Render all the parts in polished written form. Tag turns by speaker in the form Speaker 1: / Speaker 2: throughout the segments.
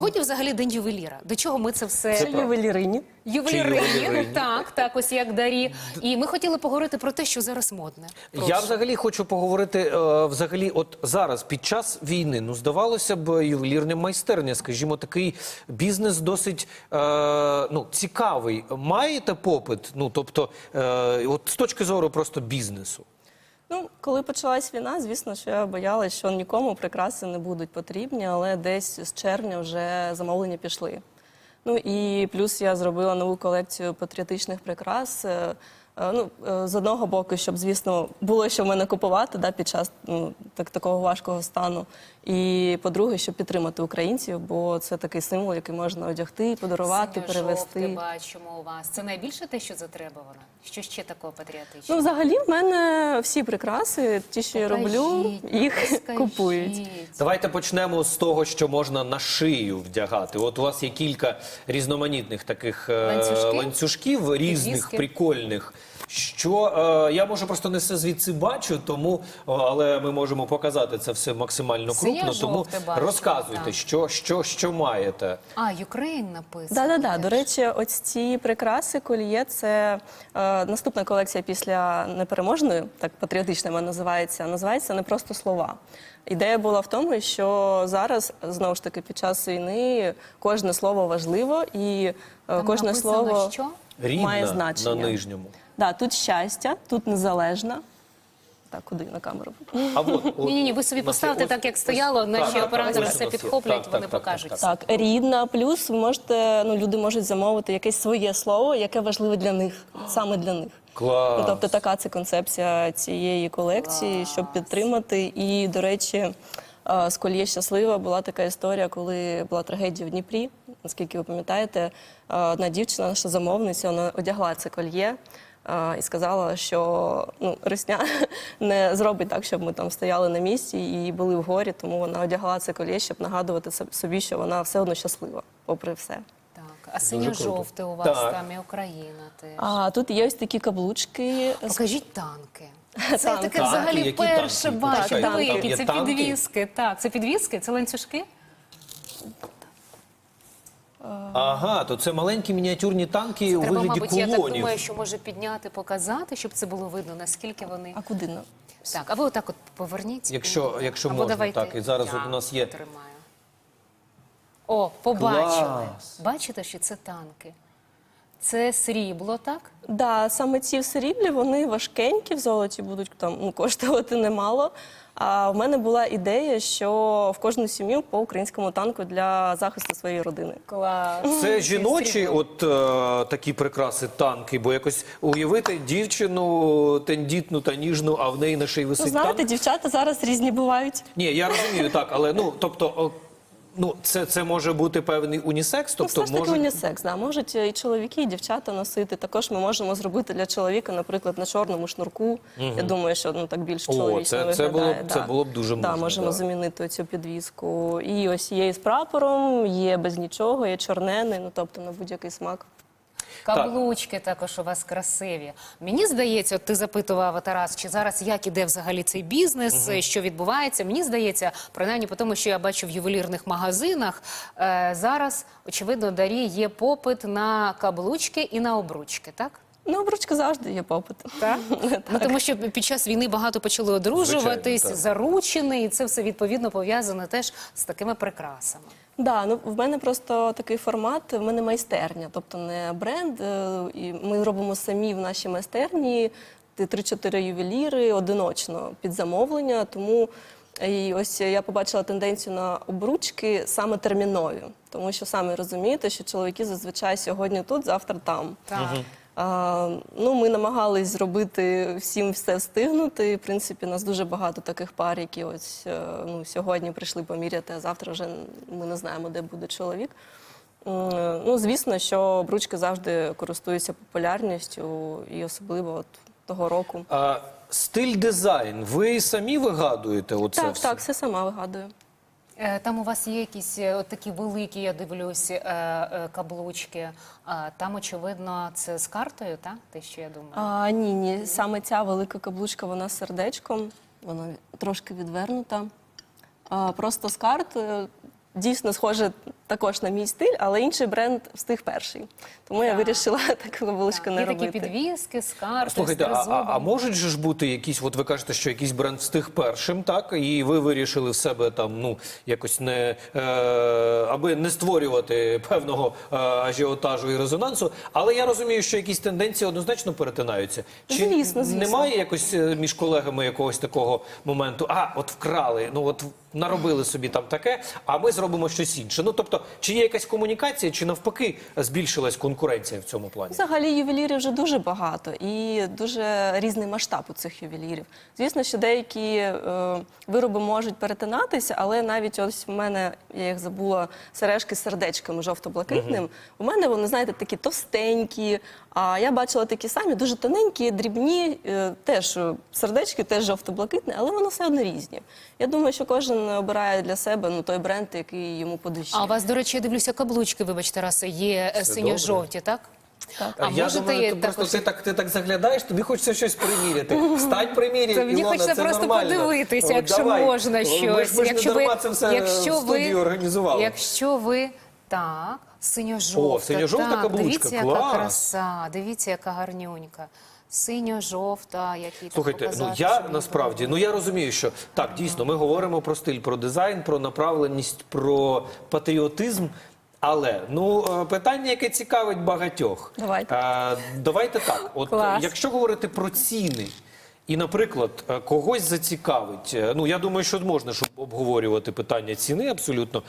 Speaker 1: Сьогодні взагалі день ювеліра. До чого ми це все...
Speaker 2: Це ювелірині.
Speaker 1: Ювелірині, так, ось як Дарі. І ми хотіли поговорити про те, що зараз модне.
Speaker 3: Я взагалі хочу поговорити, от зараз, під час війни, ну, здавалося б, ювелірна майстерня, скажімо, такий бізнес досить, цікавий. Маєте попит? Ну, тобто, от з точки зору просто бізнесу.
Speaker 2: Ну, коли почалась війна, звісно, що я боялась, що нікому прикраси не будуть потрібні, але десь з червня вже замовлення пішли. Ну і плюс я зробила нову колекцію патріотичних прикрас. З одного боку, щоб, звісно, було що в мене купувати під час такого важкого стану. І, по-друге, щоб підтримати українців, бо це такий символ, який можна одягти, подарувати, перевезти.
Speaker 1: Синьо-жовте бачимо у вас. Це найбільше те, що затребувано? Що ще такого патріотичного?
Speaker 2: Ну, взагалі, в мене всі прикраси, ті, що я роблю, їх купують.
Speaker 3: Давайте почнемо з того, що можна на шию вдягати. От у вас є кілька різноманітних таких ланцюжків, різних, прикольних. Що я, може, просто не все звідси бачу, але ми можемо показати це все максимально крупно, тому розказуйте, що маєте.
Speaker 1: Ukraine написано.
Speaker 2: Так. До речі, ось ці прикраси, кольє, це наступна колекція після непереможної, так патріотична вона називається «Не просто слова». Ідея була в тому, що зараз, знову ж таки, під час війни кожне слово важливо і кожне слово має значення.
Speaker 3: На нижньому.
Speaker 2: Так, тут щастя, тут незалежна. Так, куди на камеру?
Speaker 1: Ні, ви собі поставте так, як стояло, наші оператори все підхоплять, вони покажуть.
Speaker 2: Так, рідна, плюс ви можете, люди можуть замовити якесь своє слово, яке важливе для них, саме для них.
Speaker 3: Клас!
Speaker 2: Тобто така це концепція цієї колекції, щоб підтримати. І, до речі, з кольє «Щаслива» була така історія, коли була трагедія в Дніпрі. Наскільки ви пам'ятаєте, одна дівчина, наша замовниця, вона одягла це кольє і сказала, що Русня не зробить так, щоб ми там стояли на місці і були в горі, тому вона одягла це кольє, щоб нагадувати собі, що вона все одно щаслива, попри все.
Speaker 1: А синьо-жовте у вас там і Україна теж.
Speaker 2: А тут є ось такі каблучки.
Speaker 1: Покажіть танки. Це таке взагалі перше бачу. Які це підвіски. Так, це підвіски, це ланцюжки.
Speaker 3: Ага, то це маленькі мініатюрні танки у вигляді
Speaker 1: мабуть, я так
Speaker 3: кулонів.
Speaker 1: думаю, що може підняти, показати, щоб це було видно, наскільки вони...
Speaker 2: А куди?
Speaker 1: Так, а ви отак от поверніть.
Speaker 3: Якщо можна, так. І зараз у нас є...
Speaker 1: О, побачили. Бачите, що це танки? Це срібло, так?
Speaker 2: Так, саме ці в сріблі, вони важкенькі, в золоті будуть коштувати немало. А в мене була ідея, що в кожну сім'ю по українському танку для захисту своєї родини.
Speaker 1: Клас.
Speaker 3: Це жіночі такі прикраси, танки, бо якось уявити дівчину тендітну та ніжну, а в неї на шиї висить танк.
Speaker 2: Знаєте, дівчата зараз різні бувають.
Speaker 3: Ні, я розумію, так, але, це може бути певний унісекс?
Speaker 2: Все ж таки унісекс, так. Можуть і чоловіки, і дівчата носити. Також ми можемо зробити для чоловіка, наприклад, на чорному шнурку. Я думаю, що так більш чоловічно виглядає.
Speaker 3: Це було б дуже можна.
Speaker 2: Так, можемо замінити цю підвіску. І ось є з прапором, є без нічого, є чорнений, тобто на будь-який смак.
Speaker 1: Каблучки також у вас красиві. Мені здається, ти запитував, Тарас, чи зараз як іде взагалі цей бізнес, що відбувається. Мені здається, принаймні по тому, що я бачу в ювелірних магазинах, зараз, очевидно, Дарі, є попит на каблучки і на обручки, так?
Speaker 2: На обручки завжди є попит.
Speaker 1: Так? Тому що під час війни багато почали одружуватись, заручені, і це все відповідно пов'язане теж з такими прикрасами.
Speaker 2: Так, в мене просто такий формат, в мене майстерня, тобто не бренд. І ми робимо самі в нашій майстерні 3-4 ювеліри одиночно під замовлення, тому і ось я побачила тенденцію на обручки саме термінові, тому що самі розумієте, що чоловіки зазвичай сьогодні тут, завтра там.
Speaker 1: Так.
Speaker 2: Ми намагались зробити всім все встигнути. В принципі, у нас дуже багато таких пар, які ось сьогодні прийшли поміряти, а завтра вже ми не знаємо, де буде чоловік. Звісно, що обручки завжди користуються популярністю і особливо того року.
Speaker 3: Стиль, дизайн, ви самі вигадуєте оце все?
Speaker 2: Так, все сама вигадую.
Speaker 1: Там у вас є якісь такі великі, я дивлюсь, каблучки. Там, очевидно, це з картою, так? Те, що я думаю?
Speaker 2: Ні. Саме ця велика каблучка, вона з сердечком. Вона трошки відвернута. Просто з картою. Дійсно, схоже також на мій стиль, але інший бренд встиг перший. Тому я вирішила таку каблучку не
Speaker 1: Є
Speaker 2: робити.
Speaker 1: такі підвіски, скарби,
Speaker 3: Слухайте,
Speaker 1: з тризубом.
Speaker 3: а можуть же ж бути якісь, от ви кажете, що якийсь бренд встиг першим, так? І ви вирішили в себе там, ну, якось не, аби не створювати певного ажіотажу і резонансу, але я розумію, що якісь тенденції однозначно перетинаються. Чи
Speaker 2: Звісно, звісно.
Speaker 3: немає якось між колегами якогось такого моменту, от вкрали, ну от наробили собі там таке, а ми зробимо щось інше. Ну, тобто, чи є якась комунікація, чи навпаки збільшилась конкуренція в цьому плані?
Speaker 2: Взагалі ювелірів вже дуже багато і дуже різний масштаб у цих ювелірів. Звісно, що деякі вироби можуть перетинатися, але навіть ось в мене, я їх забула, сережки з сердечками жовто-блакитним. У мене вони, знаєте, такі товстенькі, а я бачила такі самі, дуже тоненькі, дрібні, теж сердечки, теж жовто-блакитні, але вони все одно різні. Я думаю, що кожен обирає для себе той бренд, який йому по душі.
Speaker 1: А у вас, до речі, я дивлюся, каблучки, вибачте, Расе, є синьо-жовті, так?
Speaker 2: Так.
Speaker 1: А
Speaker 3: Я
Speaker 1: можете
Speaker 3: думаю,
Speaker 1: також-
Speaker 3: ти так заглядаєш, тобі хочеться щось приміряти. Встань, приміряй,
Speaker 1: Це мені
Speaker 3: Ілона,
Speaker 1: хочеться
Speaker 3: це
Speaker 1: просто
Speaker 3: нормально.
Speaker 1: подивитися,
Speaker 3: От
Speaker 1: якщо
Speaker 3: давай.
Speaker 1: можна щось.
Speaker 3: Ми ж не дарма це все в студії організували.
Speaker 1: Якщо ви, так, синьо-жовта.
Speaker 3: О, синьо-жовта
Speaker 1: так,
Speaker 3: каблучка,
Speaker 1: дивіться, яка
Speaker 3: клас.
Speaker 1: краса, дивіться, яка гарнюнька. Синьо-жовта, який так
Speaker 3: Слухайте,
Speaker 1: показати,
Speaker 3: я
Speaker 1: щоб
Speaker 3: насправді, я розумію, що так, дійсно, ми говоримо про стиль, про дизайн, про направленість, про патріотизм. Але питання, яке цікавить багатьох.
Speaker 2: Давайте.
Speaker 3: Давайте так. От
Speaker 1: Клас.
Speaker 3: якщо говорити про ціни, і, наприклад, когось зацікавить, я думаю, що можна щоб обговорювати питання ціни абсолютно.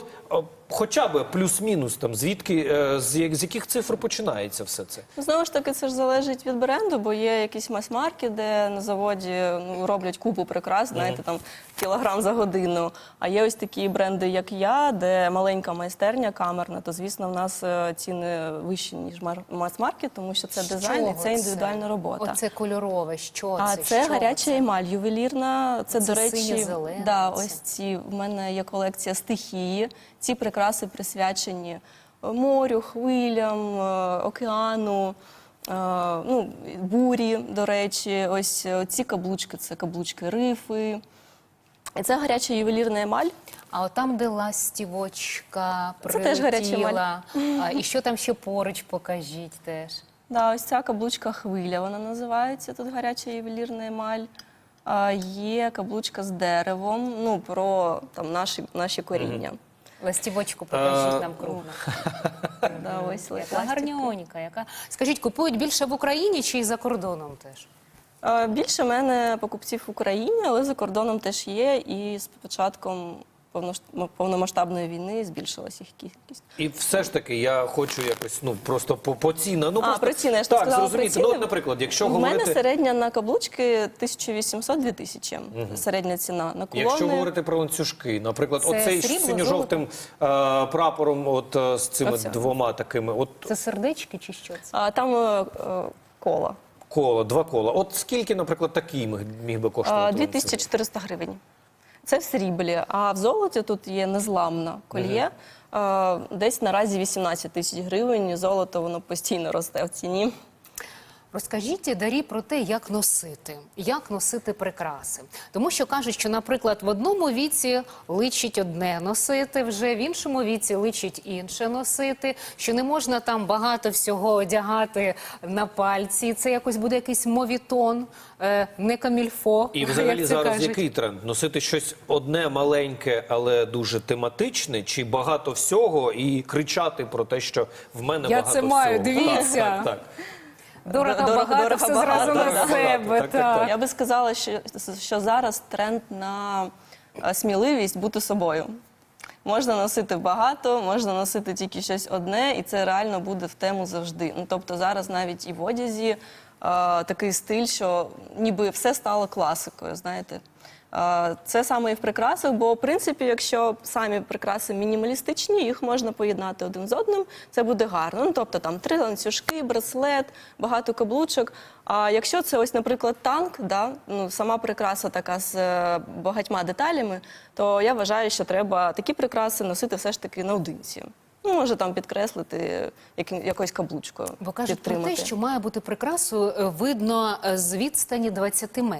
Speaker 3: Хоча б плюс-мінус, там, звідки, з яких цифр починається все це?
Speaker 2: Знову ж таки, це ж залежить від бренду, бо є якісь мас-марки, де на заводі роблять купу прикрас, знаєте, там кілограм за годину. А є ось такі бренди, як я, де маленька майстерня камерна, то, звісно, в нас ціни вищі, ніж мас-марки, тому що це дизайн і це індивідуальна робота.
Speaker 1: Оце кольорове, що це?
Speaker 2: А це
Speaker 1: Що
Speaker 2: гаряча
Speaker 1: це?
Speaker 2: емаль, ювелірна. Це, до речі,
Speaker 1: синьо-зелена
Speaker 2: ось
Speaker 1: ця.
Speaker 2: ці. В мене є колекція стихії. Ці прикраси присвячені морю, хвилям, океану, бурі, до речі. Ось ці каблучки, це каблучки рифи. І це гаряча ювелірна емаль.
Speaker 1: А от там, де ластівочка
Speaker 2: Це теж гаряча
Speaker 1: прилетіла, і що там ще поруч, покажіть теж.
Speaker 2: Да, ось ця каблучка хвиля, вона називається, тут гаряча ювелірна емаль. Є каблучка з деревом, про там, наші коріння.
Speaker 1: Ластівочку покажіть нам крупно.
Speaker 2: Да, ось
Speaker 1: Яка
Speaker 2: ластівка.
Speaker 1: гарньонька. Скажіть, купують більше в Україні чи і за кордоном теж?
Speaker 2: Більше в мене покупців в Україні, але за кордоном теж є. І з початком повномасштабної війни збільшилась їх кількість.
Speaker 3: І все ж таки я хочу якось, просто по цінам.
Speaker 2: Про ціни, я ж
Speaker 3: так,
Speaker 2: сказала про
Speaker 3: зрозуміти.
Speaker 2: ціни.
Speaker 3: Наприклад, якщо
Speaker 2: У
Speaker 3: говорити...
Speaker 2: мене середня на каблучки 1800-2000. Середня ціна. На кулони...
Speaker 3: Якщо говорити про ланцюжки, наприклад,
Speaker 1: Це
Speaker 3: оцей
Speaker 1: срібло,
Speaker 3: синьо-жовтим прапором з цими
Speaker 2: Оце.
Speaker 3: двома такими,
Speaker 1: Це сердечки чи що це?
Speaker 2: Там коло.
Speaker 3: 2 кола. От скільки, наприклад, такий міг би коштувати? ланцюг?
Speaker 2: 2400 гривень. Це в сріблі. А в золоті тут є незламна кольє. Десь наразі 18 тисяч гривень. Золото, воно постійно росте в ціні.
Speaker 1: Розкажіть, Дарі, про те, як носити прикраси. Тому що кажуть, що, наприклад, в одному віці личить одне носити, вже в іншому віці личить інше носити, що не можна там багато всього одягати на пальці. Це якось буде якийсь мовітон, не камільфо,
Speaker 3: І взагалі
Speaker 1: як це
Speaker 3: зараз
Speaker 1: кажуть.
Speaker 3: який тренд? Носити щось одне маленьке, але дуже тематичне, чи багато всього і кричати про те, що в мене
Speaker 1: Я
Speaker 3: багато
Speaker 1: це
Speaker 3: всього?
Speaker 1: маю, дивіться.
Speaker 3: Так.
Speaker 1: Дорого,
Speaker 2: Дорого,
Speaker 1: багато, все
Speaker 2: багато,
Speaker 1: зразу
Speaker 3: дорого,
Speaker 1: на себе.
Speaker 3: багато. Так.
Speaker 2: Я би сказала, що зараз тренд на сміливість бути собою. Можна носити багато, можна носити тільки щось одне, і це реально буде в тему завжди. Тобто зараз навіть і в одязі такий стиль, що ніби все стало класикою, знаєте. Це саме і в прикрасах, бо, в принципі, якщо самі прикраси мінімалістичні, їх можна поєднати один з одним, це буде гарно. Тобто там 3 ланцюжки, браслет, багато каблучок. А якщо це ось, наприклад, танк, сама прикраса така з багатьма деталями, то я вважаю, що треба такі прикраси носити все ж таки наодинці. Може там підкреслити якоюсь каблучкою.
Speaker 1: Бо кажуть про
Speaker 2: підтримати.
Speaker 1: те, що має бути прикрасу видно з відстані 20 метрів.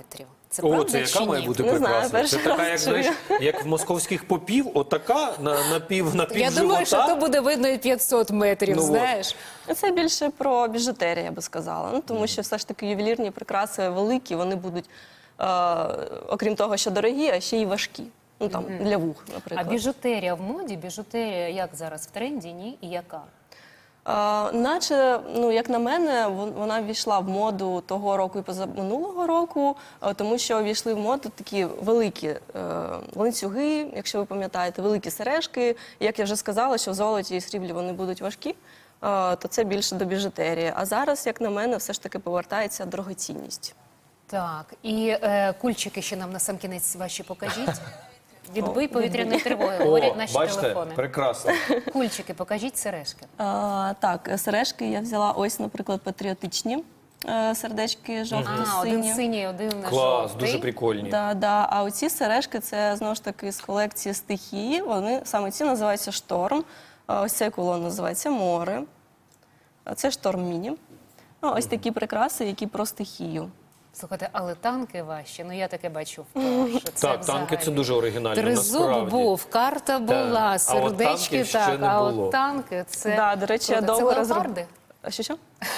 Speaker 1: Це
Speaker 3: О,
Speaker 1: правда
Speaker 3: це
Speaker 1: чи
Speaker 3: яка має
Speaker 1: ні?
Speaker 3: бути
Speaker 2: Не знаю,
Speaker 3: прикраса? Це
Speaker 2: перший
Speaker 3: така, як,
Speaker 2: раз
Speaker 3: знаєш,
Speaker 2: чую.
Speaker 3: як в московських попів, отака на пів
Speaker 1: Я думаю, що то буде видно і 500 метрів,
Speaker 3: Ну, от.
Speaker 1: знаєш.
Speaker 2: Це більше про біжутерію, я би сказала. Ну, тому що все ж таки ювелірні прикраси великі, вони будуть, окрім того, що дорогі, а ще й важкі. Ну, там, для вух,
Speaker 1: А
Speaker 2: наприклад.
Speaker 1: біжутерія в моді? Біжутерія як зараз в тренді, ні? І яка?
Speaker 2: Наче, ну як на мене, вона ввійшла в моду того року і позаминулого року, тому що ввійшли в моду такі великі ланцюги, якщо ви пам'ятаєте, великі сережки. Як я вже сказала, що в золоті і сріблі вони будуть важкі, то це більше до біжутерії. А зараз, як на мене, все ж таки повертається дорогоцінність.
Speaker 1: Так, і кульчики ще нам на сам кінець ваші покажіть. Відбий повітряної тривоги, говорять наші
Speaker 3: бачите,
Speaker 1: телефони.
Speaker 3: прекрасно.
Speaker 1: Кульчики, покажіть сережки.
Speaker 2: Так, сережки я взяла ось, наприклад, патріотичні сердечки
Speaker 1: А,
Speaker 2: жовто-сині.
Speaker 1: один синій, один
Speaker 3: Клас,
Speaker 1: жовтий.
Speaker 3: дуже прикольні.
Speaker 2: Да. А оці сережки це знову ж таки з колекції стихії. Вони саме ці називаються шторм. Ось цей кулон називається море. А це шторм міні. Ось такі прикраси, які про стихію.
Speaker 1: Слухайте, але танки ваші, ну я таке бачу вперше. Це
Speaker 3: Так, танки це
Speaker 1: взагалі.
Speaker 3: дуже оригінально,
Speaker 1: Тризуб
Speaker 3: насправді.
Speaker 1: був, карта була,
Speaker 3: А от
Speaker 1: сердечки
Speaker 3: танків ще
Speaker 1: так,
Speaker 3: не
Speaker 1: а
Speaker 3: було.
Speaker 1: от танки це
Speaker 2: Да, до речі, я
Speaker 1: круто.
Speaker 2: довго
Speaker 1: Це
Speaker 2: розроб-
Speaker 1: леопарди?
Speaker 2: Що?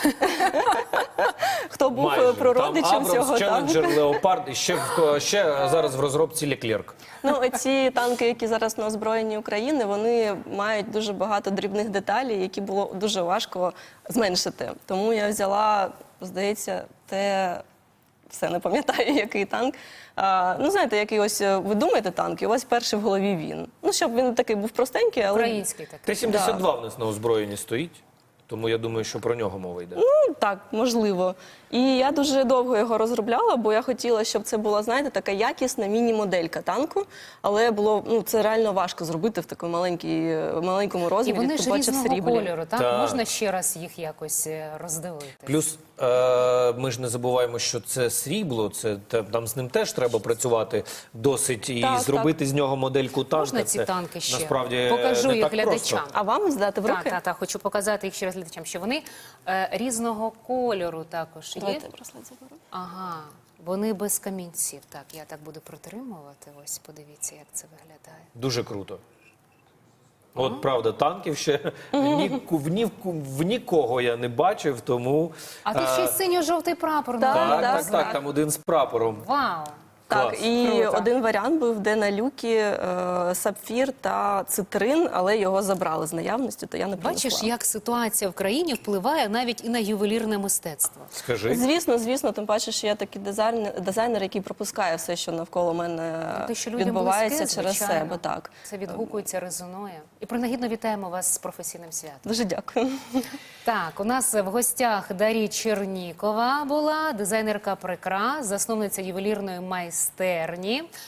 Speaker 2: Хто був
Speaker 3: Майже.
Speaker 2: прародичем
Speaker 3: Там
Speaker 2: цього
Speaker 3: Абрамс,
Speaker 2: танку?
Speaker 3: Челленджер, Леопард і ще зараз в розробці Леклерк.
Speaker 2: Ну, ці танки, які зараз на озброєнні України, вони мають дуже багато дрібних деталей, які було дуже важко зменшити. Тому я взяла, здається, все не пам'ятаю, який танк. Ну, знаєте, який ось ви думаєте танк, і у вас перший в голові він. Ну, щоб він такий був простенький, але
Speaker 1: Український такий.
Speaker 3: Т-72 в нас на озброєнні стоїть, тому я думаю, що про нього мова йде.
Speaker 2: ну, так, можливо. І я дуже довго його розробляла, бо я хотіла, щоб це була, знаєте, така якісна міні-моделька танку, але було, ну, це реально важко зробити в такому маленькому
Speaker 1: І
Speaker 2: розмірі,
Speaker 1: вони
Speaker 2: тим
Speaker 1: ж
Speaker 2: паче в
Speaker 1: різного
Speaker 2: сріблі.
Speaker 1: кольору, так?
Speaker 3: Так.
Speaker 1: Можна ще раз їх якось роздивити?
Speaker 3: Плюс ми ж не забуваємо, що це срібло, там з ним теж треба працювати досить і
Speaker 2: Так,
Speaker 3: зробити з нього модельку танка.
Speaker 1: Можна ці
Speaker 3: це
Speaker 1: танки ще?
Speaker 3: насправді
Speaker 1: Покажу
Speaker 3: не
Speaker 1: їх
Speaker 3: так
Speaker 1: глядачам.
Speaker 3: просто.
Speaker 2: А вам здати в руки?
Speaker 1: Так, хочу показати їх ще раз глядачам, що вони різного кольору також є.
Speaker 2: Давайте браслет заберу.
Speaker 1: Ага, вони без камінців. Так, я так буду протримувати. Ось, подивіться, як це виглядає.
Speaker 3: Дуже круто. От правда, танків ще в нікого я не бачив, тому
Speaker 1: А тут ще й синьо-жовтий прапор.
Speaker 2: Так,
Speaker 1: на
Speaker 3: так,
Speaker 1: ньому.
Speaker 3: там один з прапором.
Speaker 1: Вау!
Speaker 2: Так,
Speaker 3: Клас.
Speaker 2: і
Speaker 1: Круто.
Speaker 2: один варіант був, де на люкі сапфір та цитрин, але його забрали з наявності, то я не принесла.
Speaker 1: Бачиш, як ситуація в країні впливає навіть і на ювелірне мистецтво.
Speaker 3: Скажи.
Speaker 2: Звісно, тим паче, що я такий дизайнер, який пропускає все, що навколо мене
Speaker 1: Те, що людям
Speaker 2: відбувається
Speaker 1: близьке,
Speaker 2: через
Speaker 1: звичайно.
Speaker 2: себе. Так.
Speaker 1: Це відгукується, резонує. І принагідно вітаємо вас з професійним святом.
Speaker 2: Дуже дякую.
Speaker 1: Так, у нас в гостях Дар'я Чернікова була, дизайнерка прикрас, засновниця ювелірної майстерні.